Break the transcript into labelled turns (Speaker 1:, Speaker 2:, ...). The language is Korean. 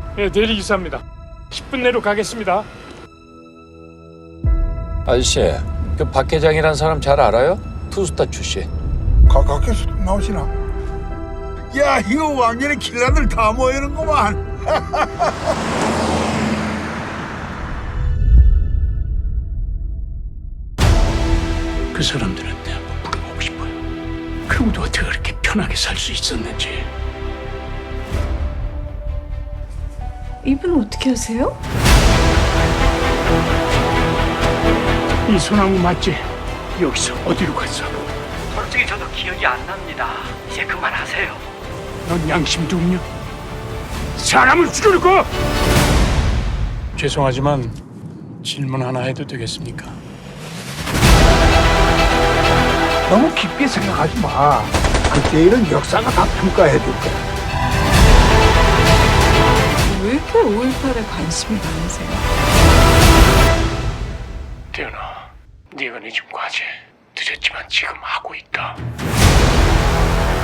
Speaker 1: 예, 대리기사입니다. 10분 내로 가겠습니다.
Speaker 2: 아저씨, 그 박 회장이란 사람 잘 알아요? 투스타 출신.
Speaker 3: 가깝게서 나오시나? 야, 이거 완전히 킬러들 다 모이는구만.
Speaker 1: 그 사람들한테 한번 물어보고 싶어요. 그분도 어떻게 그렇게 편하게 살 수 있었는지.
Speaker 4: 이분 어떻게 아세요?
Speaker 1: 이 소나무 맞지? 여기서 어디로 갔어?
Speaker 5: 솔직히 저도 기억이 안 납니다. 이제 그만하세요.
Speaker 1: 넌 양심도 없냐? 사람을 죽여놓고! 죄송하지만 질문 하나 해도 되겠습니까?
Speaker 3: 너무 깊게 생각하지 마. 그때 일은 역사가 다 평가해 줄 거야.
Speaker 4: 왜 이렇게 5.18에 관심이 많으세요?
Speaker 1: 태연아, 네가 내준 과제 늦었지만 지금 하고 있다.